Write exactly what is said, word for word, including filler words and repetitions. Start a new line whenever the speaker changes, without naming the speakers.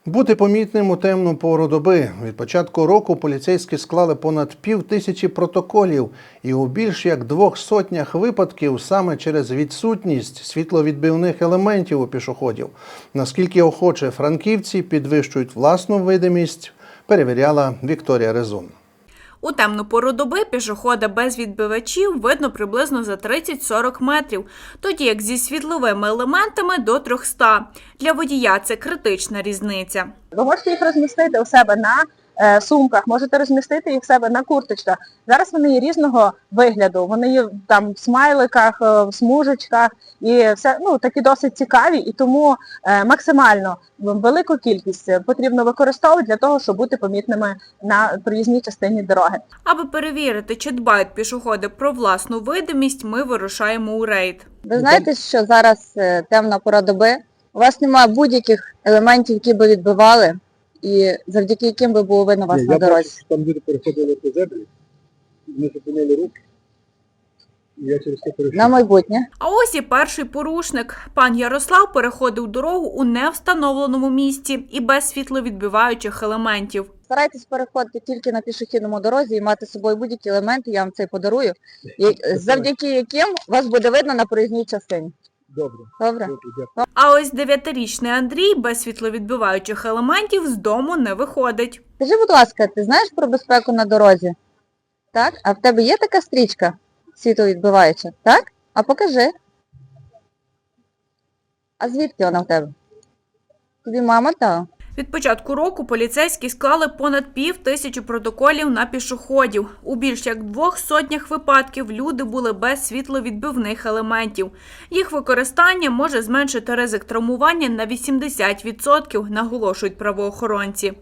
Бути помітним у темну пору доби. Від початку року поліцейські склали понад пів тисячі протоколів. І у більш як двох сотнях випадків саме через відсутність світловідбивних елементів у пішоходів. Наскільки охоче франківці підвищують власну видимість, перевіряла Вікторія Резун.
У темну пору доби пішохода без відбивачів видно приблизно за тридцять-сорок метрів, тоді як зі світловими елементами – до трьохсот. Для водія це критична різниця.
Ви можете їх розмістити у себе на е, сумках, можете розмістити їх у себе на курточках. Зараз вони є різного вигляду, вони є там в смайликах, в смужечках і все, ну, такі досить цікаві, і тому е, максимально велику кількість потрібно використовувати для того, щоб бути помітними на проїзній частині дороги.
Аби перевірити, чи дбають пішоходи про власну видимість, ми вирушаємо у рейд.
Ви знаєте, що зараз е, темна пора доби, у вас немає будь-яких елементів, які би відбивали, і завдяки яким би було видно вас
Ні,
на
я
дорозі.
бачу, що там люди переходили по зебрі, вони зупинили руки, і я через це перейшов.
На майбутнє.
А ось і перший порушник. Пан Ярослав переходив дорогу у невстановленому місці і без світловідбиваючих елементів.
Старайтесь переходити тільки на пішохідному дорозі і мати з собою будь-які елементи, я вам це подарую, і- завдяки яким вас буде видно на проїзній частині.
Добре.
Добре?
Добре, дякую.
А ось дев'ятирічний Андрій без світловідбиваючих елементів з дому не виходить.
Скажи, будь ласка, ти знаєш про безпеку на дорозі? Так? А в тебе є така стрічка світловідбиваюча? Так? А покажи. А звідки вона в тебе? Тобі мама дала?
Від початку року поліцейські склали понад пів тисячі протоколів на пішоходів. У більш як двох сотнях випадків люди були без світловідбивних елементів. Їх використання може зменшити ризик травмування на вісімдесят відсотків, наголошують правоохоронці.